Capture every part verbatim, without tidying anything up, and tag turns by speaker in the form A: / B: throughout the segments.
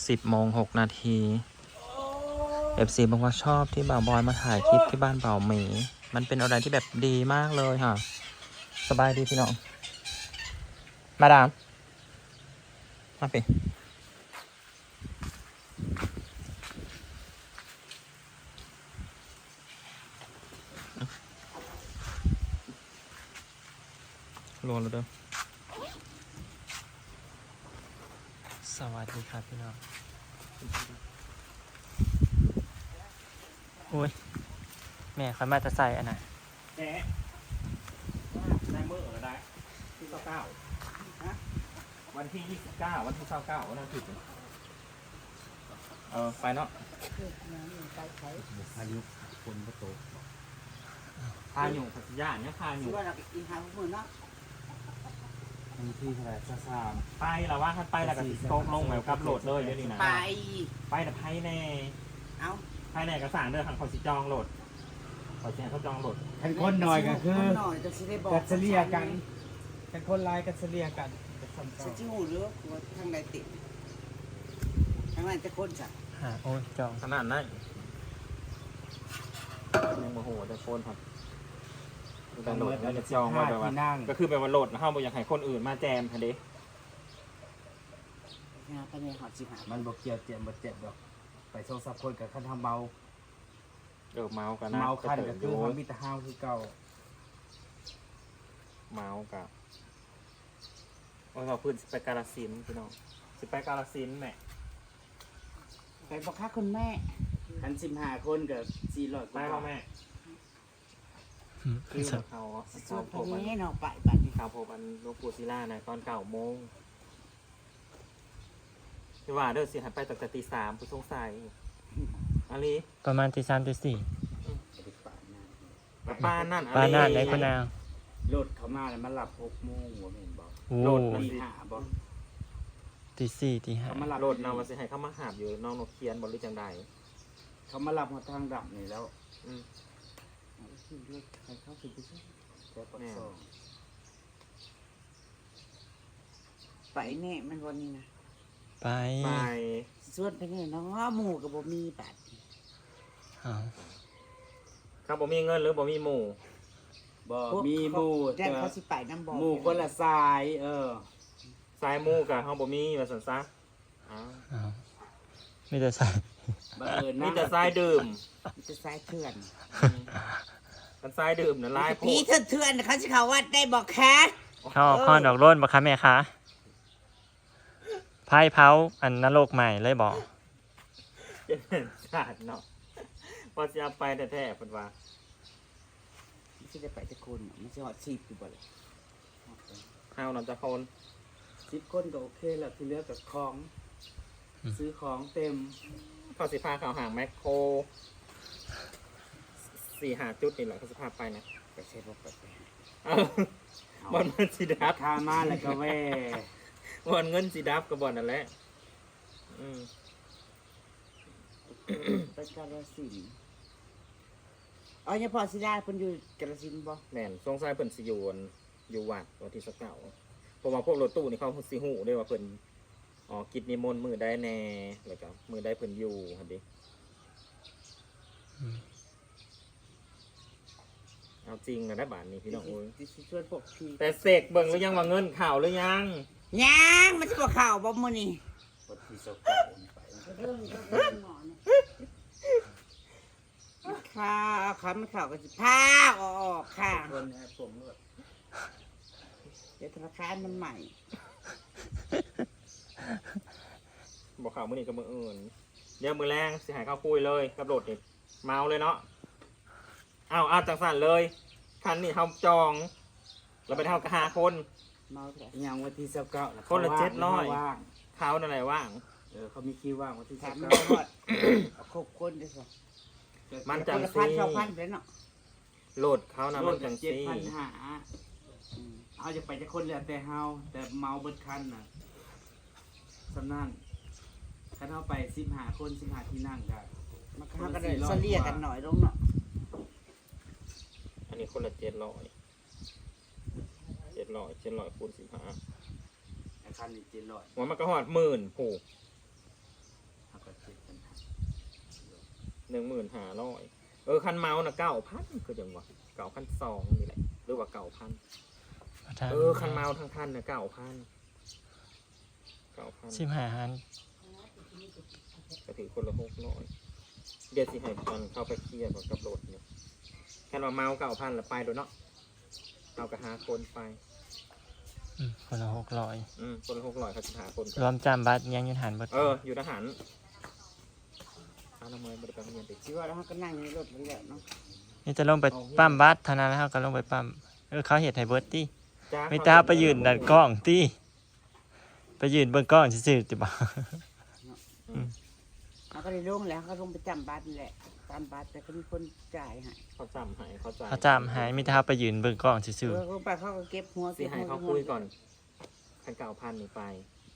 A: สิบโมงหกนาทีเอฟซีบอกว่าชอบที่บ่าวบอยมาถ่ายคลิปที่บ้านบ่าวหมีมันเป็นอะไรที่แบบดีมากเลยค่ะสบายดีพี่น้องมาดามมาไปรวมแล้วเด้อสวัสดีครับพี่น้องโอ้ยแม่เขามาจะใส่อันไหน
B: แหน่ได้เมื่อเหรอได้ที่เก้าวันที่ยี่สิบเก้าวันที่เก้าเก้าวันนั้นผิดเออไปเนาะพายุคนประตูพายุพัทยาเนี่ยพายุ
C: ว่าเราไปกินทางพวกมึงเนาะ
B: มีที่เท่าไหร่ซาซามไปแล้วว่าท่านไปแล้วก็ติดโต๊ะลงแบบกับโหลดเลยเดี๋ยวนี้นะ
C: ไป
B: ไปแต่ไพ่แน่
C: เอา
B: ไพ่แน่กระสานเด้อทางเขาสิจองโหลดเขาแจ้งเขาจองโหลด
D: กันคนหน่อยก็คือ
C: หน่อยจะสิได้บอก
D: กัดเฉลี่ยกันกันคนลายกัดเฉลี่ยกันกัดซ้ำ
C: จะจิ้วหรือว่าทางใดติดทางนั้นจะคนจ้ะ
A: หาโอ้ยจอง
B: ขนาดนั้นยังโมโหแต่โฟนครับแต่โหลดแล้วจะจองไว้แบบว่าก็คือแบบว่าโหลดเข้าไปอยากให้คนอื่นมาแจมทันที
C: งานไปในหอดสิบหา
D: มันบอกเกี่ยวเจ็บบ่เจ็บดอกไปโซซับคนกับขั้นทำเมา
B: เออเมากันนะ
D: เมาคันก็คือทำมิตรห้าวคือเก่า
B: เมากับว่าเราพื้นสิไปกาลสินธุ์พี่น้องสิไปกาลสินธุ์แม่
C: ไปบอกค่าคุณแม่
D: คันสิบห้าคนกับสี่ร้อยก
B: ไป
D: ว่า
B: พ่อแม่คือเขา
C: สิช
B: เขา
C: วน
B: โผ
C: ไป
B: ล่มัน
C: นี้เนาะไปบัดนี้
B: เขาโผล่มันหลวงปู่ศิลานะตอนเก้าโมงที่ว่าเด้อสิหันไปตั้งแต่ตีสามผู้สงสัยอะไร
A: ประมาณตีสามตีสี่
B: ป้านั่น
A: ป้านาดไหนคนนาง
D: รถเขามาแล้วมันหลับหกโมงหัวเห็นบอก
A: โอ้
B: โหลด
D: ตีห้าบอก
A: ตีสี่ตีห้า
D: เขามาหลับ
B: โหลดเนาว่าสิให้เขามาหาบอยู่น้องนกเคียนบริจังใด
D: เขามาหลับหัวทางดับนี่แล้ว
B: อืม
D: ใครเข้าสิบไปช่วยแต่ปักซอง
C: ไปแน่มันวันนี้นะ
A: ไป
B: ไป
C: ชวนไปนี่เนาะหมู่กับบ่มีบัด
A: เอา
B: เขาบ่มีเงินหรือบ่มีหมู่
D: บอกมีหมู่
C: แจ้
D: แต่
C: งเขาสิไปน้ำบ่อ
D: หมู่คนละสาย เออ
B: สายหมู่กับเขาบ่มีว่าสันซะอ้าว
A: เอาไม่ได้ใส่
D: บังเอิญ
B: มี
D: นะ
B: แต่สายดื่ม
C: จะสายเถื่อน
B: กันสายดื่มน่ะลายโพ
C: พี่
B: ด
C: เถื่อนๆเขาสิเขาวัดได้บอกแค่
A: เข้าออกข้อดอกร่นบ่คะแม่คะไพ่เผาอันนรกใหม่เลยบอก
B: จะเป็นชาติเนาะพอจะเอาไปแท้ๆเพิ่นว่า
C: ไม่ใช่ได้ไปจะคนไม่ใช่หอดชีพอยู่บ่เลย
B: เฮานำจะคน
D: สิบคนก็โอเคแล้วที่เหลือกับของ ซื้อของเต็ม
B: เขาสิพาเขาห่างแมคโครสี่หาจุดนี่แหละเขาสิพาไปนะ
C: ไปใช้บ่ไปไป
B: เอ้าบอลเงินสีดับ
D: คามาแล้วก็แว่
B: บอลเงินสีดับกับบอลนั่นแหละอืม
C: ไปกาฬสินธุ์อ๋อเนี่ยพอสิได้เพิ่นอยู่กาฬสินธุ์บ่
B: แม่นสงสัยเพิ่นสิอยู่วันอยู่วัดวันที่สักเก่าเพราะว่าพวกรถตู้นี่เขาสิฮู้ได้ว่าเพิ่นอ๋อกิจนิมนต์มือได้แน่แล้วก็มือได้เพิ่นอยู่หั่นดิเอาจริงนะได้บาทนี้พี่น้องโอ้ย
C: สิชวนพวกพี่
B: แต่เสกเบิ่งหรือยังว่าเงินข่าวหรือยัง
C: ยังมันสิบ่เข้าบ่มื้อนี้
D: ปฏิสกาไป
C: เรื่องเรื่องหมอเนี่ยข้าวข้าวไม่เข้าก็สิพาออกค่ะ
D: คนแอบผมด้วย
C: เดี๋ยวธนาคารมันใหม่
B: บอกข่าวมื้อนี้กับมื้ออื่นเดี๋ยวมื้อแรงสิหายข้าวคุยเลยกับรถนี่เมาเลยเนาะอ้าวอ้าวจังสั่นเลยคันนี้เฮาจองเราไปเท่ากับห้าคน
C: เมาแท้
D: ยังวันที่สิบเก้า
B: คนละเจ็ดร้อย
D: ว่าง
B: เขานั่นแหละว่าง
D: เออเขามีคิวว่างวันที่
C: ถา
D: สิ
C: ม
D: บ
C: มัน
D: เก้า
C: บ่ฮอดเอาครบคนได้อสิ
B: มัน
C: ค
B: จัง
C: นละ
B: ซี
C: พันสองพันไปเนาะ
B: โหลดเขานะ
D: ร
B: มั
D: ถ
B: นจัง
D: เจ็ด
B: ซี
D: พันหาเอาจะไปจะคนเหลือแต่เฮาแต่เมาเบิดคันน่ะสำนั่นคันเฮาไปสิบห้าคนสิบห้าที่นั่งกัน
C: มันก็ก็ได้เสลียกันหน่อยลงเนาะ
B: อันนี้คนละเจ็ดร้อยเจ็ดร้อยเจ็ดร้อยคูณสิบห้า
D: คันนี้เจ็ดร้อย
B: หัวมันก็หอดหมื่นผูกหนึ่งหมื่นห้าร้อยเออคันเมาส์น่ะเก้าพันคือจังวะเก้าพันสองนี่แหละหรือว่าเก้าพันเออคันเมาส์ทั้งคันน่ะเก้าพันเก้าพัน
A: สิบห้าหัน
B: ก็ถือคนละหกร้อยเดี๋ยวสิให้มันเข้าไปเคลียร์กับรถเนี่ยแค่ว่าเมาเก้าพันแล้วไปโดยเนาะเอากระหาคนไป
A: อืมคนละหกร้อย
B: อืมคนละหกร้อยเขาจะหาคน
A: รวมจำบัตรยังอยืนหันบัตร
B: เอออยู่ทหารเอาละเมย์บริการเรียนไป
C: สิว่าแล้วเขาก็นั่งอยู่ในรถแล้วแหละเนาะ
A: นี่จะลงไปปั๊มบัตรเท่านั้นแล้วก็ลงไปปั๊มเออเขาเห็ดไฮเบิร์ตตี้
B: จ้
A: ไม่ตาไปยืนดันกล้องตี้ไปยืนเบิ่งกล้องซื่อๆจิบ่า
C: เขาก็ได้ลงแล้วเขาก็ลงไปจำบัตรนี่แหละจำบัตรแต่ก็มีคนจ่ายให้
B: เขาจำให้เขาจำ
A: เขาจำหายไม่ตาไปยืนเบิ่งกล้องซื่อ
C: เออลงไปเขาก็เก็บหัว
B: สิ
C: เก็บ
B: ให้
C: หัว
B: เขาคุยก่อนคันเก้าพันนี่ไป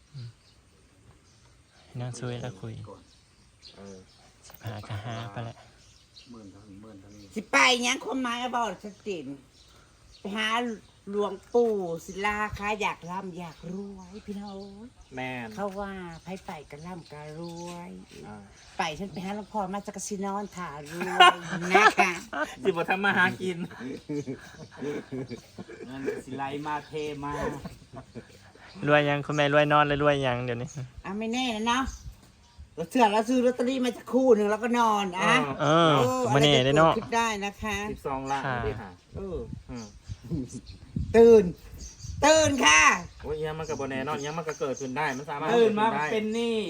A: ๆนั่งซุยแล้วคุย
D: ก่อน
B: เออ
A: สิบหากะหาไปแหละ
D: หมื่นเท่านี้หมื่นเท่านี้
C: สิไปหยังความหมายบอกชัดเจนไปหาหลวงปู่ศิลาค่ะอยากร่ำอยากรวยพี่น้อง
B: แม่น
C: เขาว่าไพ่ไปกันร่ำกันรวย
B: อ่า
C: ไปฉันไปหาหลวงพ่อมาจากกสินอนถ่ารวยนะคะ
B: สิบทำมาหากิน
D: เงินสิไลมาเทมาร
A: วยยังคุณแม่รวยนอนเลยรวยยังเดี๋ยวนี้
C: อ่ะไม่แน่นะเนาะเราเชื่อเราซื้อลอตเตอรี่มาจากคู่หนึ่งแล้วก็นอนอ่ะ
A: เออมาเนี่ได้เนาะ
C: คิดได้นะคะ
B: สิบสองล้าน
A: ค่ะ
B: ได้ค่ะ
C: เออ
B: อืม
C: ตื่น ตื่นค่ะ
B: โอ้ยยังมันกับบแน่นอนยังมันก็เกิดขึ้นได้มันสามารถ
D: ตื่นมา
B: กิดขึ้ได้
D: เป็นหนี้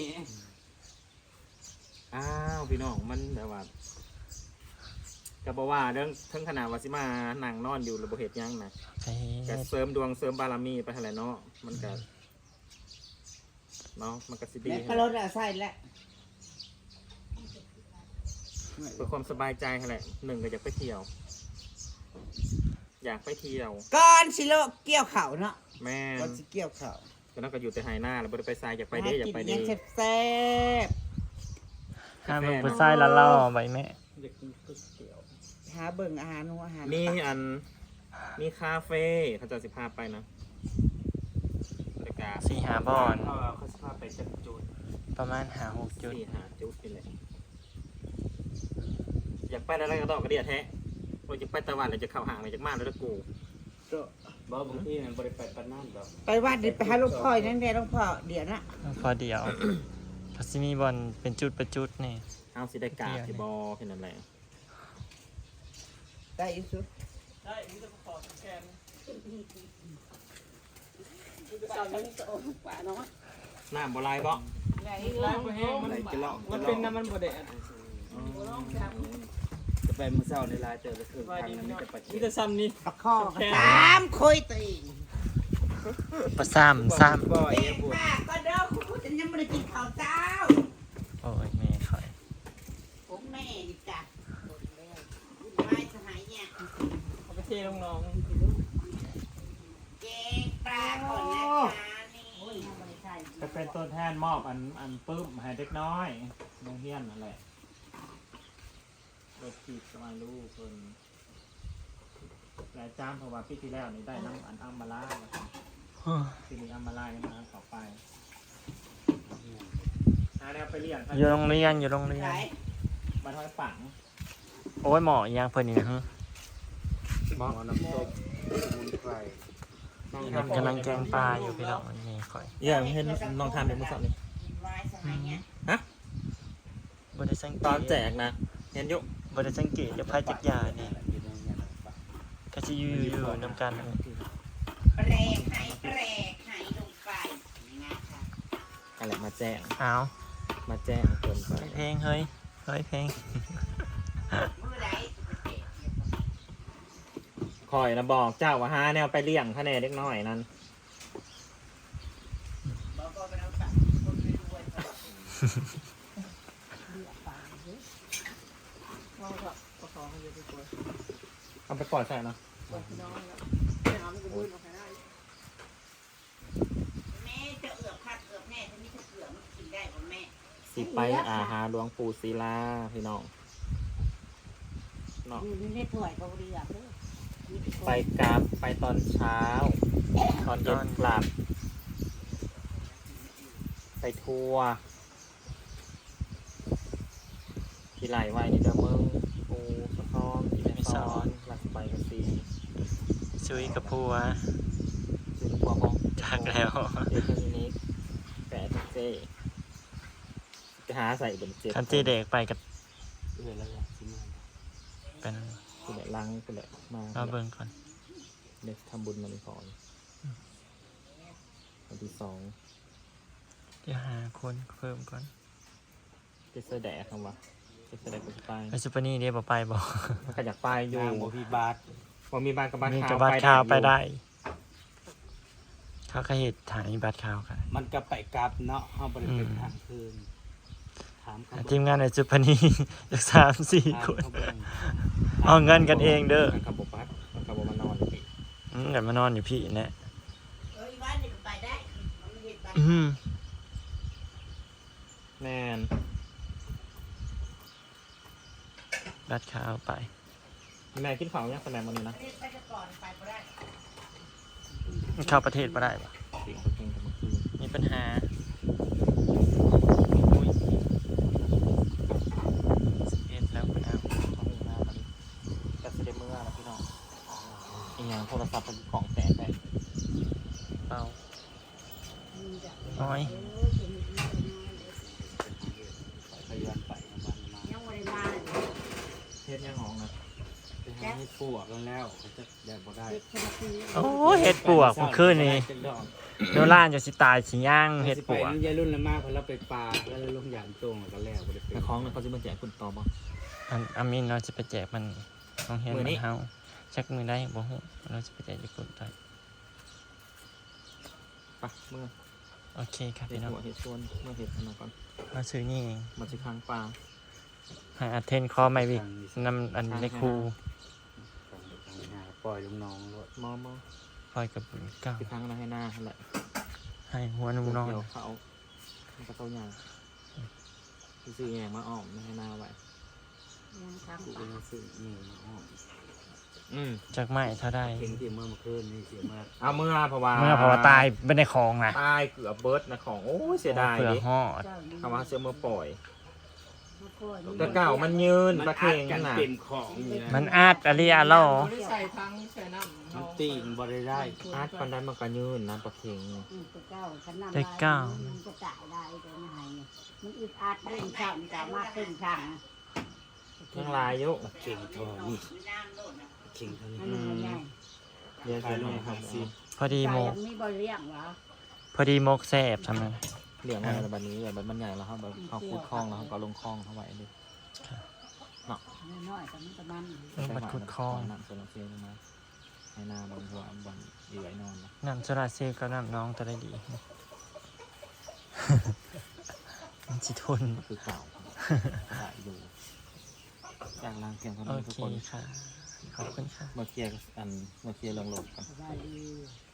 B: อ้าวพี่น้องมันแบบว่าก็บอกว่าเรื่องทั้งขนาดว่าสิมานั่งนอนอยู่ระบบเหตุยังนะ
A: ไป
B: ก็เสริมดวงเสริมบารมีไปหั่นแหละเนาะมันก็เนาะมันก็สิดี
C: แม่ก็รถอะใส่แล้ว
B: เพื่อความสบายใจหั่นแหละหนึ่งก็อยากไปเที่ยว อยากไปเที่ยว
C: ก่อนสิโลเกี่ยวเข่าเนาะ
B: แม่
C: ก่อนสิเกี่ยวเข่า
B: ก็นั่นก็อยู่แต่ไฮหน้าแล้วบ่ได้ไปทรายอยากไปเด้อยากไป
C: ห
B: เด้
C: กินยังแซ่บ
A: ห้ามเบิ่งผู้ชายละล่อใบแม่
B: อยากกินก๋วยเตี๋ยว
C: ๆหาเบิ่งอาหารหัวอาหาร
B: มีอันมีคาเฟ่เขาจะสิพาไปนะบรรยากาศ
A: สี่หาบอน
D: เขาเขาสภาพไปจัดจุด
A: ประมาณหาหกจุด
B: สี่หาจุดนี่แหละอยากไปอะไรก็ต้องกระเดียดแท้ว่าจะไปตะวันหรือจะเข้าห่างหรือจะมาแล้วตะกู
D: บ่บางทีมันบริไปปานนั่นดอก
C: ไปวัดเดี๋ยวไปหาหลวงพ่อนั่นแหละหลวงพ่อเดี๋ยวนะ
A: พอเดียวพัสมีบอลเป็นจุดประจุดนี่
B: เอาสิได้กาบสิบอแค่นั้นแหละ
C: ได้อีกสุด
B: น้ำบลายบ่
C: ได้
D: ไล่บ่แห้งมัน
B: ไหลจะเลาะ
D: มันเป็นน้ำมันบ่ได้จะไปมื้อเช้าในลายเจอก็คือทางนั้นมีแต่ปลาเค็
E: มี
D: ม
E: แต่ซ้ำนี่
C: ประคองตามคุยตีน
A: ประซ้ำซ้
D: บ่อย
C: เด็
D: เอ้
C: ก
D: ปวด
C: ป้าก็เด้อคุณจะยังไม่ได้กินข้าวเจ้า
A: ำโอ้ยแม่คอย
C: ผมแม่ดิจ้ะไม่สหายเนี่ย
E: เอาไปเทลงน้อง
C: เจ๊ปลาก่อนนะคะนี่
B: จะเป็นตัวแทนมอบอันอันปื้มให้เด็กน้อยโรงเรียนนั่นแหละรถขีดสมาลูกเพิ่นหลายจ้ามเพราะว่าปีที่แล้วนี่ได้น้ำอันอัมมาลาทีนี้อัมมาลายังมาต่อไปหาแนวไปเรียน
A: อยู่โรงเรียนอยู่โรงเรียน
C: ไหน
B: มาทอยฝัง
A: โอ้ยหมออีหยังเพิ่นนี่นะฮะ
D: หมอน้ำส้มสมุนไพร
A: กำลังแกงปลาอยู่พี่น้องนี่คอย
B: อย่าเห็นน้องทำเป็นมือสอบนี่
C: ไว้สหายเนี่ย
A: บ่ได้สังเกต
B: ตอนแจกนะ เห็นอยุ
A: บ่ได้สังเกตจะพายจักยานี่ก็สิอยู่อยู่นำกันนั่นแหละ
C: แปรกให้แปรกให้ลงไปนะคะ
B: อะไรมาแจ้ง
A: เอา
B: มาแจ้งเกินไป
A: เพลงเฮ้ยเฮ้ยเพลง
C: เมื่อไหร
B: คอยนะบอกเจ้าว่าหาแนวไปเลี้ยงคะแนนเล็กน้อยนั่น
C: บอกว่าไปเอาตังคนรวยๆ
E: น้องก็ประคองให้เยอะไปกว่า
B: เอาไปปล่อยใส่เนาะ
E: ปล่อยพี่น้องแล้วไปหามันก็บื้นออกไปได้
C: แม่จะเอือบคัดเอือบแม่ถ้ามีถ้าเอือบมันกินได้ผมแม่
B: สิไปอาหาหลวงปู่ศิลาพี่น้องเนาะ
C: อยู่ในถ้วยก็เรือเด้อ
B: ไปกราบไปตอนเช้า ตอนเย็นกลับ ไปทัวร์ที่ไหลไว้นี่เด้อมึงปูสะท้อนที่ไม่ซ้อนหลักไปกับสี
A: ซุยกับผัว
B: ซึ่งพวกของ
A: จากแล้ว
B: เด็กคนนี้แปดเซ่ไปหาใส่บนเจ็ด
A: คันที่เด็กไปกับ
D: เอื้อแล้วแหละสิมา
A: เป็น
B: คือแหละลังคือแหละมา
A: เราเบิ่งก่อน
B: เด็กทำบุญมาในก่อนวันที่สอง
A: เดี๋ยวหาคนเพิ่มก่อน
B: เจ็ดเสดแดกคำว่าเจ็ดเสดแดกกูจะไป
A: ไอซูเปอร์นี่เดี๋ยวบ่ไปบอก
B: มันก็อยากไปอยู่
D: นางบ่พี่บาท
B: พอมีบ้านกับบ้าน
A: มี
B: ขาว
A: กับบัตรข่าวไป
B: อยู่
A: ได้ เขาก็เหตุฐานมีบัตรข่าวกัน
D: มันก็ไปกลับเนาะเฮาบ่ได้เป็นทางคืนถามเขา
A: ทีมงานไอซูเปอร์นี่ จากสามสี่
D: ถาม
A: คน
D: เขาเบิ่ง
A: เอาเงินกันเองเด้อ
B: มันขับบบบัสมันขับบบมานอนอยู่พี่
A: อืมกันมานอนอยู่พี่เนี่ย
C: เอ้ยบ้านนี่ก็ไปได้มันเห็นบ้าน
A: อืม
B: แม่น
A: บัตรข่าวไป
B: แม่คิดของยังแสดงมันนี่นะ
C: เฮ็ดไปแต่ก่อนไปบ่ได้
A: เข้าประเทศมาได้ปะ
B: เสียงตัวเก่งกับเมื่อคืน
A: มีปัญหาอุ้ยสิบเอ็ดแล้วคุณเอา
B: ท้องหน้าตอนนี้แต่เสด็จเมื่อแล้วพี่น้องอีกอย่างโทรศัพท์เป็นของแตกไป
A: เปล่าน้อย
D: ไปย้อนไปบ้านมา
C: ยังบ่ได้มา
B: เทศยังหองนะ
D: ไปหาให้ปวกกันแล้วเขาจะได้บ่ได้
C: เด็กคนละปี
A: โอ้เห็ดปวกเมื่อคืนนี้โนล่านจะสิตายสิย่างเห็ดปวก
D: ไปน้ำยายรุ่นละมากพอเราไปปลาแล้วลงอย่างตรงแล้วก็แล้วบ่ได้ไป
B: แต่ของเนี่ยเขาจะมาแจกคุณต่อบ่
A: อันอามินเราจะไปแจกมันต้องเห็น
B: มื้
A: มั
B: อนี้
A: นเฮาชักมือได้บ่ฮู้เราจะไปแจกญี่ปุ่นได้
B: ไปเมื่อ
A: โอเคครับ
B: เห็ด
A: พี่น้อง
B: หัวเห็ดชวนเมื่อเห็ดอันนั้นก่อน
A: มาซื้อนี่เอง
B: มาสิค้างปลา
A: หาอัดเทนคอไม่วิกนำอันในครู
D: ปล่อยลูกน้องรถ
B: มอมอ
A: ปล่อยกับบุญเก้า
B: สิค้างอะไรให้หน้าแหละ
A: ให้หัวนุ่มนอน
B: เดี๋ยวเขามันก็เต้าหยางซื้อแยงมาอ้อมไม่ให้หน้าไว้
C: ยังทำ
D: กู
C: ไป
D: ก็ยังซื้อนี่มาอ้อม
B: อืม
A: จากไม้เท่าได้
D: เห็นที่เมื่อเมื่อคืนนี่เสียเมื่อ
B: เอาเมื่อเพราะว่า
A: เมื่อเพราะว่าตายเป็นในคลองนะ
B: ตายเกือบเบิร์ดนะของโอ้ยเสียดาย
A: เผื่อ
B: ดิ
A: หอด
C: เจ้านี่
B: คำว่าเสียเมื่อปล่อย
C: มาก่อน
B: แต่เก่ามันยืน
D: มัน
B: ประ
D: อั
B: เท
D: ด
B: ง
D: กัน
B: น่ะ
D: เต็มของนี่นะ
A: มันอาดอะลีอาโล
E: บ่ได้ใส่ทั้งใส่น้ำ
D: มันตีนบ่ได้ได้
B: อาร์ตปันได้มันก็ยืนนะประเทง
C: อืมแต่เก้าขนาด
A: แต่เก้า
C: มันก็จ่ายได้แต่ไม่ให้เนี่ยมันอึดอัดเรื่องช่างมันสามารถขึ้นช่าง
B: ยังลายอยุ
D: เข่งทองนี่เข่งเท่านี้
C: มันมันง่าย
B: เรียน
D: ขาย
B: เสีย
D: ล
B: ล
D: ง
B: งค
D: หา
B: รับ
D: สิบ
A: พอดีโม
C: จ่าย
A: ก
C: ยังไม่บริเลี้ยงวะ
A: พอดีโมกแซบทำไม
B: เหลี่ยงอะไรแบบนี้แบบมันใหญ่แล้วครับแบบเขาคูดคล้องแล้วเขาก็ลงคล้องเข้าไว้เลย
C: น้อยๆแต่มันก็มัน
A: เออบัดขุดคลอง
B: น้ำโซลาเซลล์มาให้หน้าบนหัวบนเหยื่อยนอนนะ
A: น้ำโซลาร์เซลล์กับน้ำน้องจะได้ดี มันจิทน
B: ก็คือเก่าได้อยู่จากล่างเพียงเท่า
A: โอ
B: นี้ทุก
A: เค
B: คน
A: ค่ะ ขอบคุณค่ะ
B: มาเคลียร์อันมาเคลียร์เรื่องโหลดกัน
C: สบายดี